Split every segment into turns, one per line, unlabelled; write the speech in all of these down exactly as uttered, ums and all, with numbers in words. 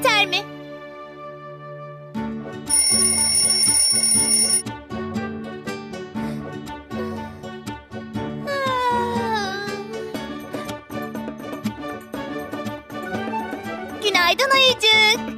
yeter mi? Günaydın ayıcık.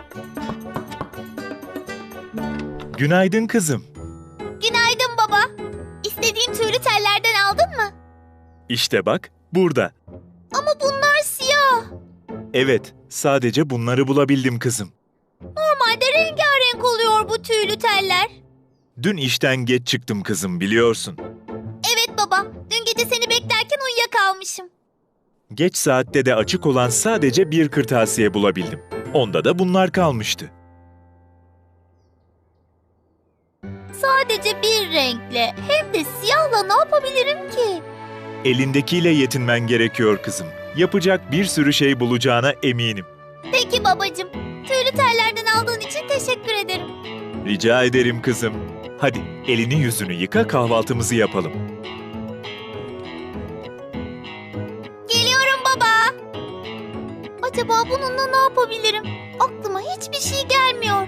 Günaydın kızım.
Günaydın baba. İstediğim tüylü tellerden aldın mı?
İşte bak, burada.
Ama bunlar siyah.
Evet, sadece bunları bulabildim kızım.
Normalde rengarenk oluyor bu tüylü teller.
Dün işten geç çıktım kızım, biliyorsun.
Evet baba. Dün gece seni beklerken uyuyakalmışım.
Geç saatte de açık olan sadece bir kırtasiye bulabildim. Onda da bunlar kalmıştı.
Sadece bir renkle hem de siyahla ne yapabilirim ki?
Elindekiyle yetinmen gerekiyor kızım. Yapacak bir sürü şey bulacağına eminim.
Peki babacığım. Tüylü tellerden aldığın için teşekkür ederim.
Rica ederim kızım. Hadi elini yüzünü yıka, kahvaltımızı yapalım.
Geliyorum baba. Acaba bununla ne yapabilirim? Aklıma hiçbir şey gelmiyor.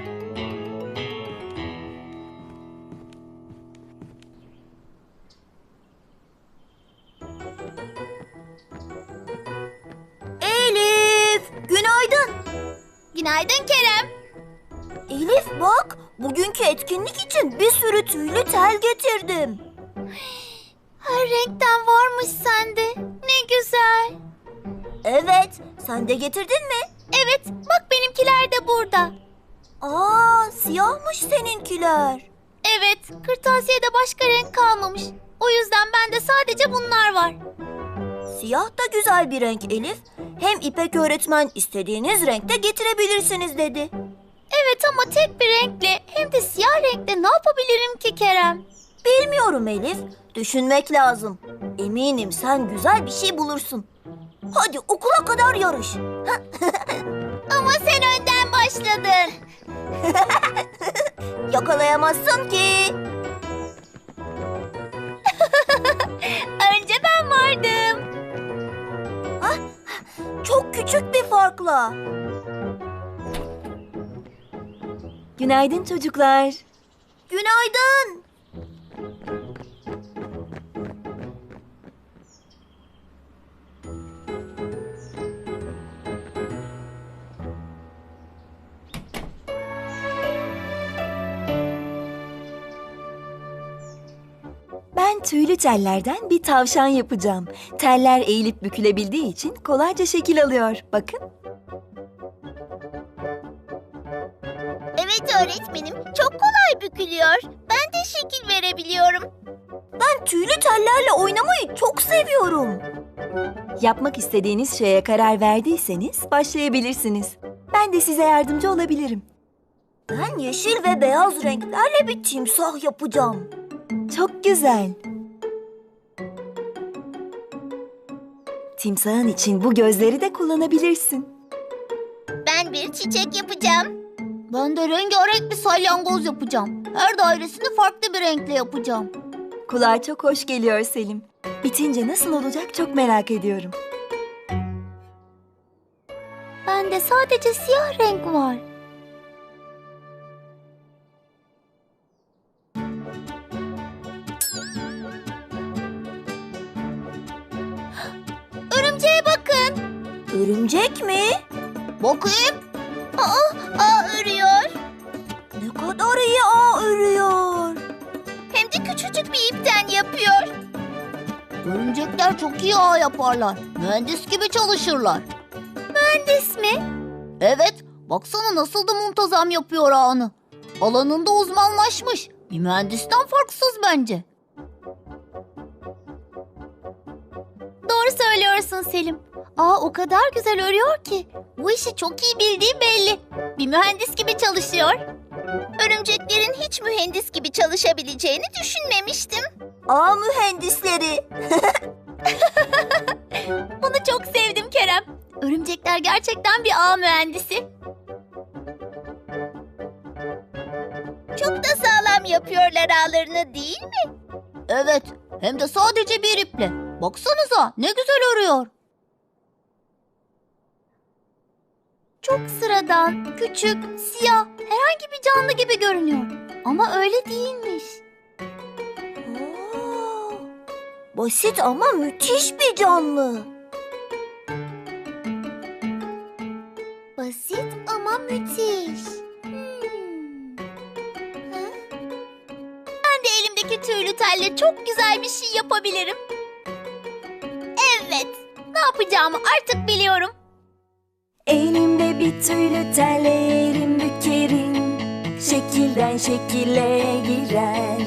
Elif, günaydın.
Günaydın Kerem.
Elif bak, bugünkü etkinlik için bir sürü tüylü tel getirdim.
Her renkten varmış sende. Ne güzel.
Evet, sen de getirdin mi?
Evet, bak benimkiler de burada.
Aa, siyahmış seninkiler.
Evet, kırtasiyede başka renk kalmamış. O yüzden bende sadece bunlar var.
Siyah da güzel bir renk Elif. Hem İpek öğretmen istediğiniz renkte getirebilirsiniz dedi.
Evet ama tek bir renkle hem de siyah renkle ne yapabilirim ki Kerem?
Bilmiyorum Elif, düşünmek lazım. Eminim sen güzel bir şey bulursun. Hadi okula kadar yarış.
Ama sen önden başladın.
Yakalayamazsın ki.
Önce ben vardım.
Çok küçük bir farkla.
Günaydın çocuklar.
Günaydın.
Ben tüylü tellerden bir tavşan yapacağım. Teller eğilip bükülebildiği için kolayca şekil alıyor. Bakın.
Evet öğretmenim, çok kolay bükülüyor. Ben de şekil verebiliyorum.
Ben tüylü tellerle oynamayı çok seviyorum.
Yapmak istediğiniz şeye karar verdiyseniz başlayabilirsiniz. Ben de size yardımcı olabilirim.
Ben yeşil ve beyaz renklerle bir timsah yapacağım.
Çok güzel. Timsahın için bu gözleri de kullanabilirsin.
Ben bir çiçek yapacağım. Ben de rengarenk bir salyangoz yapacağım. Her dairesini farklı bir renkle yapacağım.
Kulağa çok hoş geliyor Selim. Bitince nasıl olacak çok merak ediyorum.
Bende sadece siyah renk var. Örümceğe bakın.
Örümcek mi?
Bakayım. Aa, aa örüyor.
Ne kadar iyi ağ örüyor.
Hem de küçücük bir ipten yapıyor. Örümcekler çok iyi ağ yaparlar. Mühendis gibi çalışırlar. Mühendis mi? Evet. Baksana nasıl da muntazam yapıyor ağını. Alanında uzmanlaşmış. Bir mühendisten farksız bence. Doğru söylüyorsun Selim. Aa o kadar güzel örüyor ki. Bu işi çok iyi bildiği belli. Bir mühendis gibi çalışıyor. Örümceklerin hiç mühendis gibi çalışabileceğini düşünmemiştim.
Ağ mühendisleri.
Bunu çok sevdim Kerem. Örümcekler gerçekten bir ağ mühendisi. Çok da sağlam yapıyorlar ağlarını değil mi? Evet, hem de sadece bir iple. Baksanıza ne güzel örüyor. Çok sıradan, küçük, siyah, herhangi bir canlı gibi görünüyor. Ama öyle değilmiş.
Oo, basit ama müthiş bir canlı.
Basit ama müthiş. Hmm. Hı? Ben de elimdeki tüylü telle çok güzel bir şey yapabilirim. Evet, ne yapacağımı artık biliyorum.
Elimde bir tüylü telle yerim bükerim, şekilden şekile girer.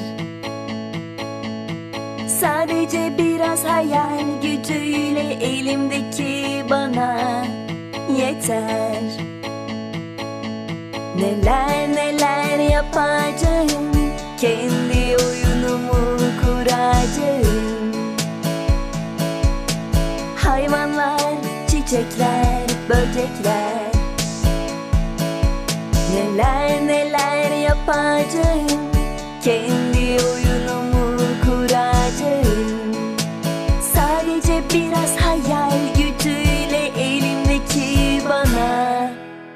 Sadece biraz hayal gücüyle elimdeki bana yeter. Neler neler yapacağım, kendi oyunumu kuracağım. Hayvanlar, çiçekler, böcekler. Neler neler yapacağım, kendi oyunumu kuracağım. Sadece biraz hayal gücüyle elimdeki bana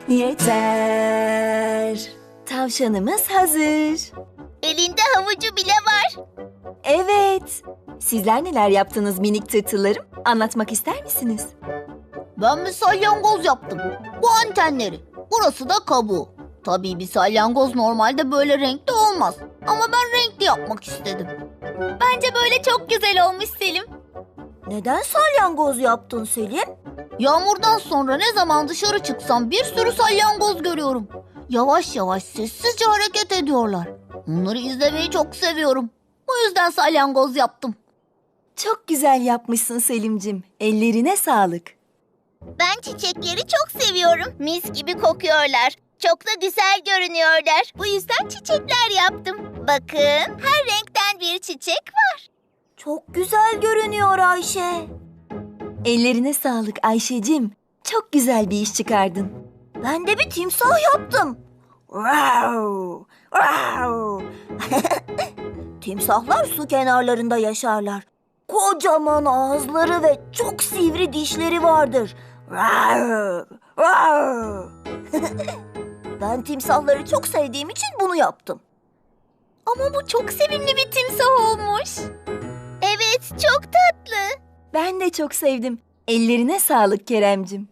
yeter. Tavşanımız hazır.
Elinde havucu bile var.
Evet. Sizler neler yaptınız minik tırtıllarım? Anlatmak ister misiniz?
Ben bir salyangoz yaptım. Bu antenleri. Burası da kabuğu. Tabii bir salyangoz normalde böyle renkli olmaz. Ama ben renkli yapmak istedim. Bence böyle çok güzel olmuş Selim.
Neden salyangoz yaptın Selim?
Yağmurdan sonra ne zaman dışarı çıksam bir sürü salyangoz görüyorum. Yavaş yavaş sessizce hareket ediyorlar. Onları izlemeyi çok seviyorum. Bu yüzden salyangoz yaptım.
Çok güzel yapmışsın Selimcim. Ellerine sağlık.
Ben çiçekleri çok seviyorum. Mis gibi kokuyorlar. Çok da güzel görünüyorlar. Bu yüzden çiçekler yaptım. Bakın, her renkten bir çiçek var.
Çok güzel görünüyor Ayşe.
Ellerine sağlık Ayşecim. Çok güzel bir iş çıkardın.
Ben de bir timsah yaptım. Wow, wow. Timsahlar su kenarlarında yaşarlar. Kocaman ağızları ve çok sivri dişleri vardır. Wow, wow. Ben timsahları çok sevdiğim için bunu yaptım.
Ama bu çok sevimli bir timsah olmuş. Evet, çok tatlı.
Ben de çok sevdim. Ellerine sağlık Keremcim.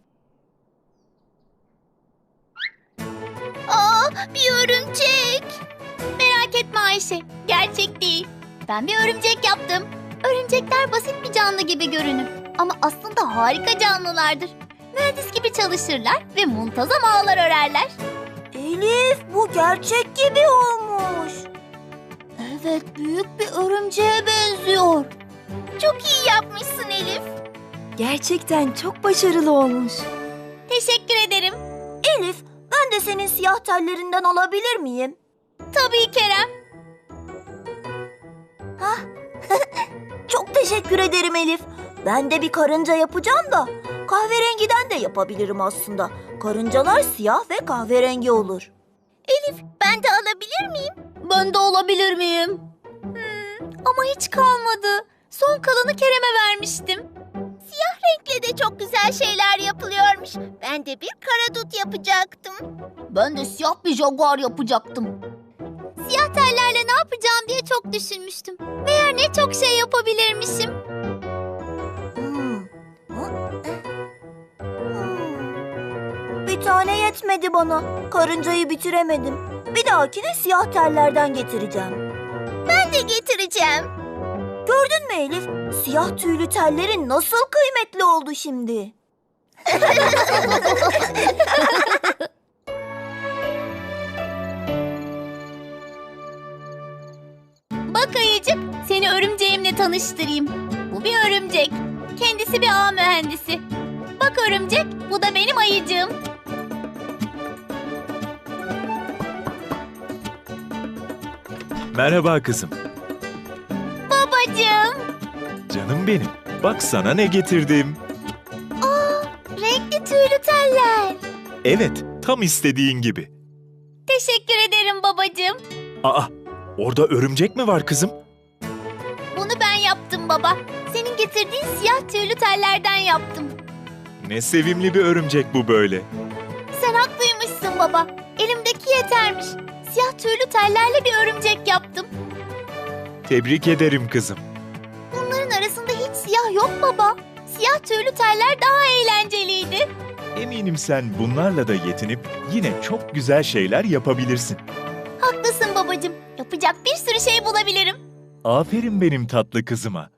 Aa, bir örümcek. Merak etme Ayşe, gerçek değil. Ben bir örümcek yaptım. Örümcekler basit bir canlı gibi görünür. Ama aslında harika canlılardır. Mühendis gibi çalışırlar ve muntazam ağlar örerler.
Elif, bu gerçek gibi olmuş.
Evet, büyük bir örümceğe benziyor. Çok iyi yapmışsın Elif.
Gerçekten çok başarılı olmuş.
Teşekkür ederim.
Elif, ben de senin siyah tellerinden alabilir miyim?
Tabii Kerem.
Çok teşekkür ederim Elif. Ben de bir karınca yapacağım da kahverengiden de yapabilirim aslında. Karıncalar siyah ve kahverengi olur.
Elif, ben de alabilir miyim? Ben de alabilir miyim? Hmm, ama hiç kalmadı. Son kalanı Kerem'e vermiştim. Siyah renkle de çok güzel şeyler yapılıyormuş. Ben de bir karadut yapacaktım. Ben de siyah bir jaguar yapacaktım. Siyah tellerle ne yapacağım diye çok düşünmüştüm. Meğer ne çok şey yapabilirmişim.
Hmm. Bir tane yetmedi bana. Karıncayı bitiremedim. Bir dahakine siyah tellerden getireceğim.
Ben de getireceğim.
Gördün mü Elif? Siyah tüylü tellerin nasıl kıymetli oldu şimdi?
Bak ayıcık, seni örümceğimle tanıştırayım. Bu bir örümcek. Kendisi bir ağ mühendisi. Bak örümcek, bu da benim ayıcığım.
Merhaba kızım.
Babacığım.
Canım benim. Bak sana ne getirdim.
Renkli tüylü teller.
Evet, tam istediğin gibi.
Teşekkür ederim babacığım.
Aa, orada örümcek mi var kızım?
Bunu ben yaptım baba. Senin getirdiğin siyah tüylü tellerden yaptım.
Ne sevimli bir örümcek bu böyle.
Sen baba. Elimdeki yetermiş. Siyah tüylü tellerle bir örümcek yaptım.
Tebrik ederim kızım.
Bunların arasında hiç siyah yok baba. Siyah tüylü teller daha eğlenceliydi.
Eminim sen bunlarla da yetinip yine çok güzel şeyler yapabilirsin.
Haklısın babacığım. Yapacak bir sürü şey bulabilirim.
Aferin benim tatlı kızıma.